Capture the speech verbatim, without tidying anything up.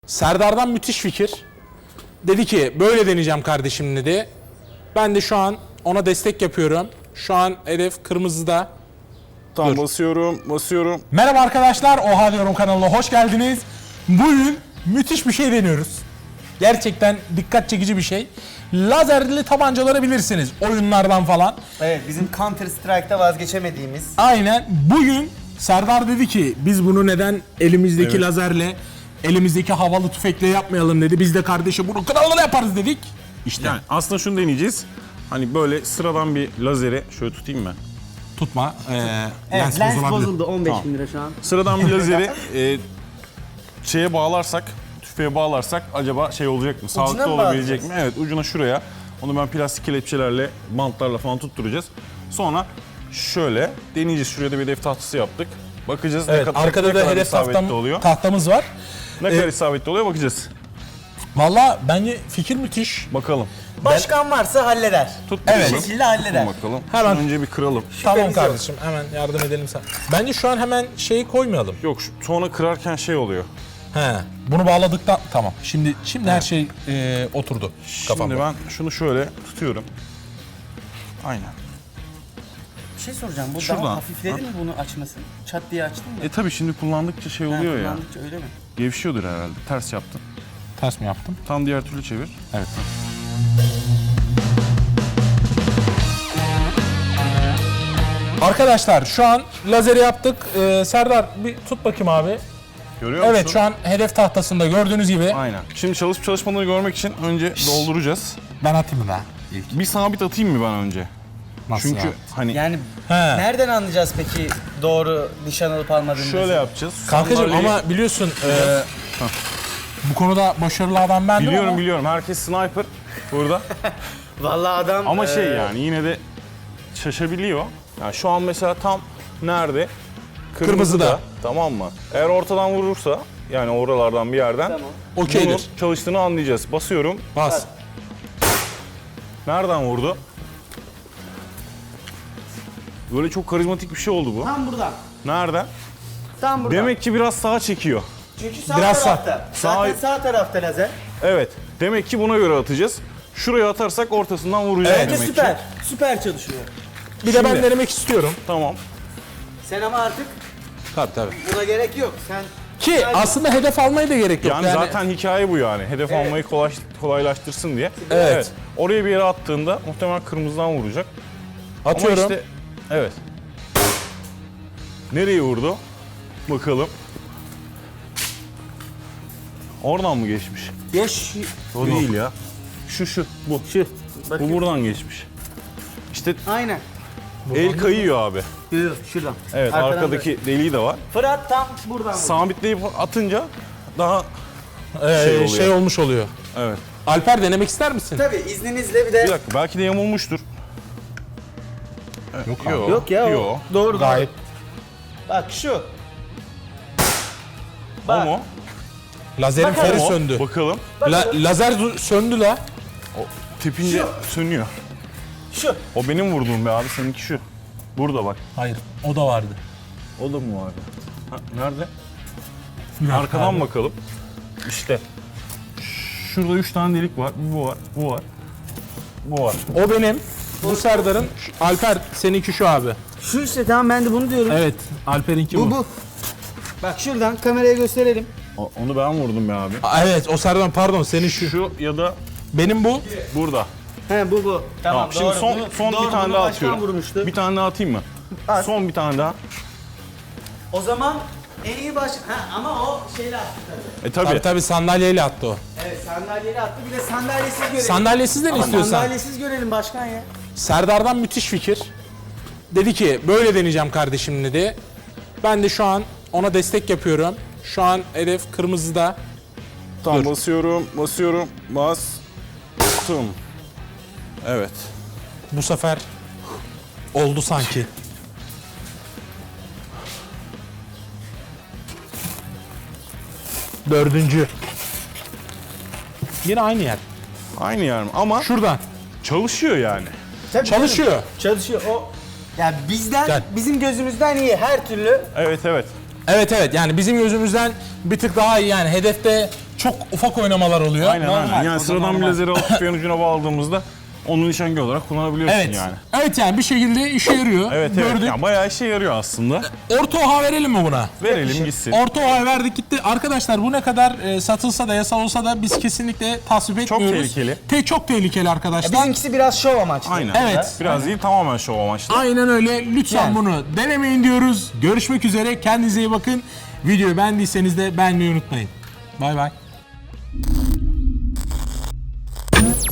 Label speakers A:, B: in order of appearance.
A: Serdar'dan müthiş fikir. Dedi ki böyle deneyeceğim kardeşim dedi. Ben de şu an ona destek yapıyorum. Şu an hedef kırmızıda.
B: Tamam,
A: Dur.
B: basıyorum, basıyorum.
A: Merhaba arkadaşlar, Oha Diyorum kanalına hoş geldiniz. Bugün müthiş bir şey deniyoruz. Gerçekten dikkat çekici bir şey. Lazerli tabancaları bilirsiniz oyunlardan falan.
C: Evet, bizim Counter Strike'da vazgeçemediğimiz.
A: Aynen. Bugün Serdar dedi ki biz bunu neden elimizdeki
B: Evet.
A: lazerle, elimizdeki havalı tüfekle yapmayalım dedi. Biz de kardeşim bunu kralına yaparız dedik. İşte
B: Yani aslında şunu deneyeceğiz. Hani böyle sıradan bir lazeri şöyle tutayım ben.
A: tutma. Ee,
C: Evet,
A: lens,
C: lens,
A: bozulabilir.
C: bozuldu on beş
B: Tamam.
C: bin lira şu an.
B: Sıradan bir lazeri e, şeye bağlarsak, tüfeğe bağlarsak acaba şey olacak mı? Sağlıklı
C: mı
B: olabilecek mi?
C: bağlayacağız?
B: Evet, ucuna şuraya. Onu ben plastik kelepçelerle, bantlarla falan tutturacağız. Sonra şöyle deneyeceğiz. Şuraya da bir hedef tahtası yaptık. Bakacağız
A: Evet,
B: ne kadar,
A: arkada
B: ne
A: da
B: kadar
A: hedef
B: isabetli
A: tahtam,
B: oluyor.
A: tahtamız var.
B: Ne
A: Ee,
B: kadar isabetli oluyor bakacağız.
A: Valla bence fikir müthiş.
B: Bakalım.
C: Başkan varsa halleder.
B: Tut
A: Evet.
B: bakalım.
C: Bir şekilde halleder.
B: Tutun bakalım.
A: Hemen.
B: Şunu önce bir kıralım.
A: Tamam
C: yok.
A: kardeşim, hemen yardım edelim sen. Bence şu an hemen şeyi koymayalım.
B: Yok, şu- sonra kırarken şey oluyor.
A: He. Bunu bağladıktan tamam. Şimdi şimdi her şey e, oturdu kafamda.
B: Şimdi ben şunu şöyle tutuyorum. Aynen.
C: Bir şey soracağım, bu
B: Şuradan.
C: daha hafifledi mi bunu açması? Çat diye açtın mı?
B: E tabi şimdi kullandıkça şey
C: Ha,
B: oluyor ya.
C: kullandıkça öyle mi?
B: Gevşiyordur herhalde. Ters yaptın.
A: Ters mi yaptım?
B: Tam diğer türlü çevir.
A: Evet. Arkadaşlar şu an lazeri yaptık. Ee, Serdar bir tut bakayım abi.
B: Görüyor
A: Evet
B: musun?
A: şu an hedef tahtasında gördüğünüz gibi.
B: Aynen. Şimdi çalışıp çalışmadığını görmek için önce dolduracağız.
A: Ben atayım mı daha? İlk.
B: Bir sabit atayım mı ben önce?
A: Nasıl
B: Çünkü
A: ya?
B: hani
C: Yani
A: He.
C: nereden anlayacağız peki doğru nişan alıp almadığımızı?
B: şöyle yapacağız.
A: Kankacığım
B: Sandalyeyi-
A: ama biliyorsun e, bu konuda başarılı adam bendim
B: Biliyorum
A: ama
B: biliyorum. Herkes sniper burada.
C: Vallahi adam...
B: Ama şey
C: e,
B: yani yine de şaşabiliyor. Yani şu an mesela tam nerede?
A: Kırmızıda.
B: Tamam mı? Eğer ortadan vurursa yani oralardan bir yerden
C: Tamam.
A: okeydir.
B: bunun çalıştığını anlayacağız. Basıyorum.
A: Bas.
B: Nereden vurdu? Böyle çok karizmatik bir şey oldu bu.
C: Tam buradan.
B: Nereden?
C: Tam buradan.
B: Demek ki biraz sağa çekiyor.
C: Çünkü sağ
A: Biraz sağ.
C: tarafta. Zaten
B: Sağ-
C: sağ tarafta lazer.
B: Evet. Demek ki buna göre atacağız. Şuraya atarsak ortasından vuracağız
A: Evet,
C: Bence
B: demek
C: süper.
B: ki.
C: Süper çalışıyor.
A: Bir de ben
B: Şimdi-
A: denemek istiyorum.
B: Tamam.
C: Sen ama artık
A: Tabii tabii.
C: buna gerek yok. Sen
A: Ki aslında hedef almaya da gerek yok.
B: Yani, zaten hikaye bu yani. Hedef
C: Evet.
B: almayı kolay, kolaylaştırsın diye.
A: Evet.
B: Oraya bir yere attığında muhtemelen kırmızıdan vuracak.
A: atıyorum.
B: Ama işte evet. Nereye vurdu? Bakalım. Oradan mı geçmiş?
C: Yaş...
B: O değil ya. Şu şu bu.
C: Şu.
B: Bu
C: Bakayım.
B: buradan geçmiş. İşte
C: Aynen.
B: el kayıyor abi.
C: Yok yok şuradan.
B: Evet,
C: Arkadan
B: arkadaki deliği de var.
C: böyle. Fırat tam buradan.
B: Sabitleyip atınca daha
A: Ee,
B: şey
A: şey,
B: oluyor.
A: olmuş oluyor.
B: evet.
A: Alper denemek ister misin?
C: Tabii izninizle bir de...
B: Bir dakika belki de yamulmuştur. Evet,
A: Yok abi.
B: Yok,
C: Yok ya o.
B: Yok.
C: Doğru
A: Gayet.
C: doğru. Bak şu.
B: O
C: Bak.
B: mu?
A: Lazerin
C: Bakalım.
A: feri
B: O.
A: söndü.
B: Bakalım.
A: La, lazer zu- söndü la.
B: O tepince sönüyor.
C: Şu.
B: O benim vurduğum be abi. Seninki şu. Burada bak.
A: Hayır, o da vardı.
B: O da mı vardı? Ha, nerede? Arkadan
A: abi.
B: bakalım. İşte. Şurada üç tane delik var. Bu var. Bu var. Bu var.
A: O benim. Bu Serdar'ın. Şu- Alper seninki şu abi.
C: Şu işte tamam ben de bunu diyorum.
A: Evet, Alper'inki bu.
C: Bu bu. Bak şuradan kameraya gösterelim.
B: O- Onu ben vurdum be abi.
A: Aa, evet, o Serdar pardon, senin şu.
B: Şu ya da
A: Benim bu.
B: burada.
C: He bu bu. Tamam,
B: Tamam. Şimdi
C: doğru.
B: son
C: Bunu-
B: son
C: doğru,
B: bir tane
C: bunu
B: daha
C: başkan
B: atıyorum.
C: vurmuştu.
B: Bir tane daha atayım mı?
C: At.
B: Son bir tane daha.
C: O zaman en iyi baş... Ha ama o şeyle attı tabii.
B: E tabii.
A: Tabii tabii sandalyeyle attı o.
C: Evet sandalyeli attı bir de sandalyesiz görelim.
A: Sandalyesiz de ne
C: Ama
A: istiyorsan.
C: sandalyesiz görelim başkan ya.
A: Serdar'dan müthiş fikir. Dedi ki böyle deneyeceğim kardeşim dedi. Ben de şu an ona destek yapıyorum. Şu an hedef kırmızıda.
B: Tamam,
A: Dur.
B: basıyorum, basıyorum, bastım. Evet.
A: Bu sefer oldu sanki. Dördüncü. Yine aynı yer.
B: Aynı yer mi? Ama
A: Şuradan.
B: çalışıyor yani.
C: Tabii
A: Çalışıyor.
C: canım, Çalışıyor o. Ya bizden,
A: Gel.
C: bizim gözümüzden iyi her türlü.
B: Evet evet.
A: Evet evet, yani bizim gözümüzden bir tık daha iyi, yani hedefte çok ufak oynamalar oluyor.
B: Aynen
C: Normal,
B: aynen. Yani
C: o da
B: sıradan bir
C: normal.
B: lazeri alıp tüfeğin ucuna bağladığımızda onu nişangah olarak kullanabiliyorsun
A: Evet.
B: yani.
A: Evet yani bir şekilde işe yarıyor.
B: Evet evet.
A: Gördük.
B: Yani bayağı işe yarıyor aslında.
A: Orta oha verelim mi buna?
B: Verelim gitsin.
A: Orta oha verdik gitti. Arkadaşlar bu ne kadar e, satılsa da yasal olsa da biz kesinlikle tasvip
B: Çok
A: etmiyoruz.
B: tehlikeli.
A: Te çok tehlikeli arkadaşlar.
C: Bizimkisi biraz şov amaçlı.
B: Aynen.
A: Evet.
B: Biraz değil tamamen şov amaçlı.
A: Aynen öyle. Lütfen
C: Yani.
A: bunu denemeyin diyoruz. Görüşmek üzere. Kendinize iyi bakın. Videoyu beğendiyseniz de beğenmeyi unutmayın. Bay bay.